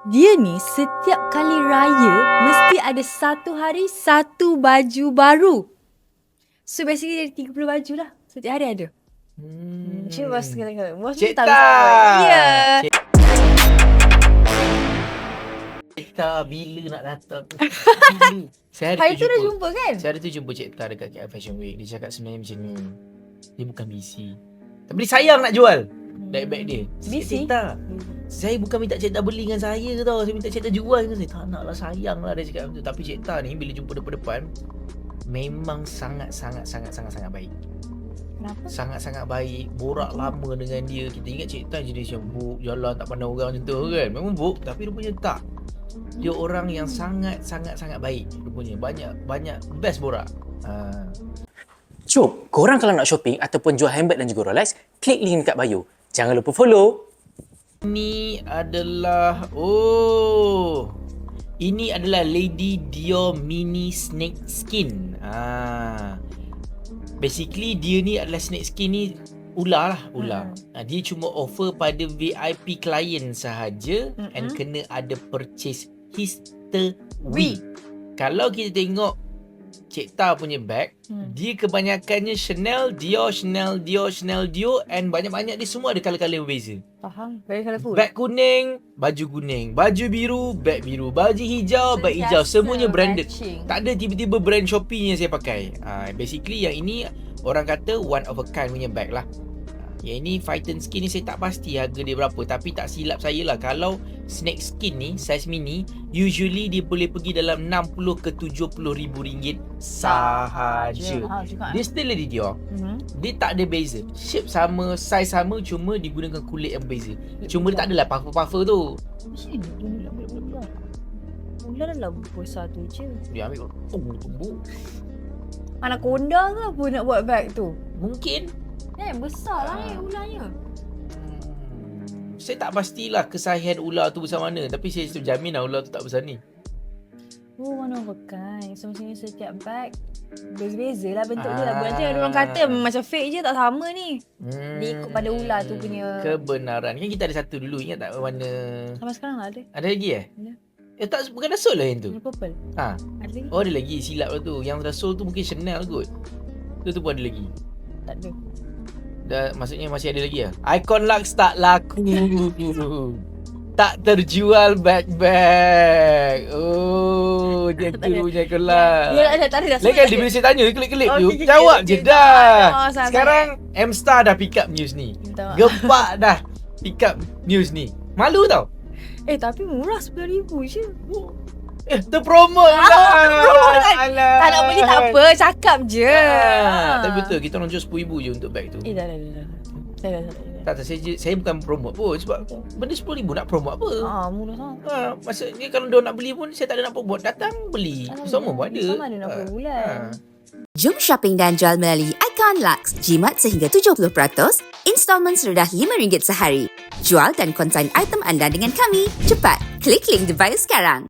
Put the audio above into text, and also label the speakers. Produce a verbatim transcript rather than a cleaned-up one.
Speaker 1: Dia ni setiap kali raya mesti ada satu hari satu baju baru. So basically dia tiga puluh baju lah. Setiap hari ada.
Speaker 2: Hmm.
Speaker 1: Cik bos kata, bos
Speaker 2: Cik
Speaker 1: tak
Speaker 2: Ta.
Speaker 1: bisa. Ya.
Speaker 2: Cik Cik Ta bila nak datang? Bila? Saya hari,
Speaker 1: Hari
Speaker 2: tu
Speaker 1: tu dah
Speaker 2: jumpa.
Speaker 1: jumpa kan?
Speaker 2: Saya hari tu jumpa Cik Ta dekat K L Fashion Week. Dia cakap sebenarnya macam ni. Dia bukan busy. Tapi dia sayang nak jual. Bag-bag dia.
Speaker 1: Busy?
Speaker 2: Cik Ta, saya bukan minta Cik Ta beli dengan saya tau. Saya minta Cik Ta jual dengan saya. Tak nak lah, sayang lah dia cakap macam tu. Tapi Cik Ta ni bila jumpa depan-depan, memang sangat-sangat-sangat-sangat-sangat baik.
Speaker 1: Kenapa?
Speaker 2: Sangat-sangat baik. Borak lama dengan dia. Kita ingat Cik Ta jenis yang buk, jalan tak pandang orang macam tu kan. Memang buk, tapi rupanya tak. Dia orang yang sangat-sangat-sangat baik rupanya. Banyak banyak best borak. Ha.
Speaker 3: Jom, korang kalau nak shopping ataupun jual handbag dan juga Rolex, klik link dekat bio. Jangan lupa follow.
Speaker 2: Ini adalah oh. Ini adalah Lady Dior Mini Snake Skin. Ah. Basically dia ni adalah snake skin ni ular lah, ular. Hmm. Ha, dia cuma offer pada V I P client sahaja hmm. and kena ada purchase history. Kalau kita tengok Cik Ta punya bag, hmm. dia kebanyakannya Chanel, Dior, Chanel, Dior, Chanel, Dior and banyak-banyak dia semua ada colour-colour berbeza.
Speaker 1: Faham? Very colourful.
Speaker 2: Bag kuning, baju kuning. Baju biru, bag biru. Baju hijau, bag hijau. Semuanya branded.
Speaker 1: Matching.
Speaker 2: Tak ada tiba-tiba brand Shopee yang saya pakai. Ha, basically yang ini orang kata one of a kind punya bag lah. Yang ini Python skin ni saya tak pasti harga dia berapa. Tapi tak silap saya lah, kalau snake skin ni size mini, usually dia boleh pergi dalam enam puluh ke tujuh puluh ribu ringgit sahaja.
Speaker 1: Ha, juga,
Speaker 2: Dia still Lady Dior.
Speaker 1: mm-hmm.
Speaker 2: Dia tak ada beza. Shape sama, size sama, cuma digunakan kulit yang berbeza. Cuma dia tak adalah puffer-puffer tu.
Speaker 1: Macam ni dia ular. Ular dalam besar tu je.
Speaker 2: Dia ambil tumbuk.
Speaker 1: Anaconda ke apa nak buat bag tu?
Speaker 2: Mungkin.
Speaker 1: Eh, besar lah ni ularnya.
Speaker 2: Hmm, saya tak pastilah kesahihan ular tu besar mana. Tapi saya jamin lah ular tu tak besar ni.
Speaker 1: Oh, mana of a kind. So, macam ni setiap bag berbeza lah bentuk dia.
Speaker 2: Ah.
Speaker 1: Nanti ada orang kata macam fake je, tak sama ni.
Speaker 2: Hmm,
Speaker 1: Dia ikut pada ular tu punya.
Speaker 2: Kebenaran. Kan kita ada satu dulu, ingat tak warna.
Speaker 1: Sampai sekarang lah ada.
Speaker 2: Ada lagi eh?
Speaker 1: Ada.
Speaker 2: Eh tak, bukan dah sold lah yang tu?
Speaker 1: Warna purple.
Speaker 2: Ha.
Speaker 1: Ada lagi?
Speaker 2: Oh ada lagi, silap lah tu. Yang dah sold tu mungkin Chanel kot. Tu tu pun ada lagi.
Speaker 1: Tak ada.
Speaker 2: Dah, maksudnya masih ada lagi lah. Icon Lux tak laku. Tak terjual bag-bag. Oh, dia tu punya Icon Lux.
Speaker 1: Dia tak ada, tak ada.
Speaker 2: Lagi kan dia bila saya tanya, klik-klik
Speaker 1: Oh,
Speaker 2: tu,
Speaker 1: okay, okay,
Speaker 2: jawab
Speaker 1: okay,
Speaker 2: je
Speaker 1: okay.
Speaker 2: dah.
Speaker 1: Oh, sangat.
Speaker 2: Sekarang M-Star dah pick up news ni.
Speaker 1: Minta maaf.
Speaker 2: Gepak dah pick up news ni. Malu tau.
Speaker 1: Eh, tapi murah sepuluh ribu je.
Speaker 2: Eh, terpromote pula. Alah.
Speaker 1: Tak nak beli tak apa, cakap je.
Speaker 2: Ah, tapi betul, kita orang jual sepuluh ribu je untuk bag tu.
Speaker 1: Eh, dah, dah, dah. dah. Dah, dah, dah. dah.
Speaker 2: Tak, tak, saya, saya bukan promote pun. Sebab benda sepuluh ribu nak promote apa?
Speaker 1: Ah, murah sangat.
Speaker 2: Ha, maksudnya kalau dia nak beli pun, saya tak ada nak promote. Datang beli. Semua pun ada.
Speaker 1: Sama ada enam puluh bulan.
Speaker 4: Jom shopping dan jual melalui Icon Lux. Jimat sehingga tujuh puluh peratus, installment serendah lima ringgit sehari. Jual dan konsign item anda dengan kami. Cepat, klik link di bio sekarang.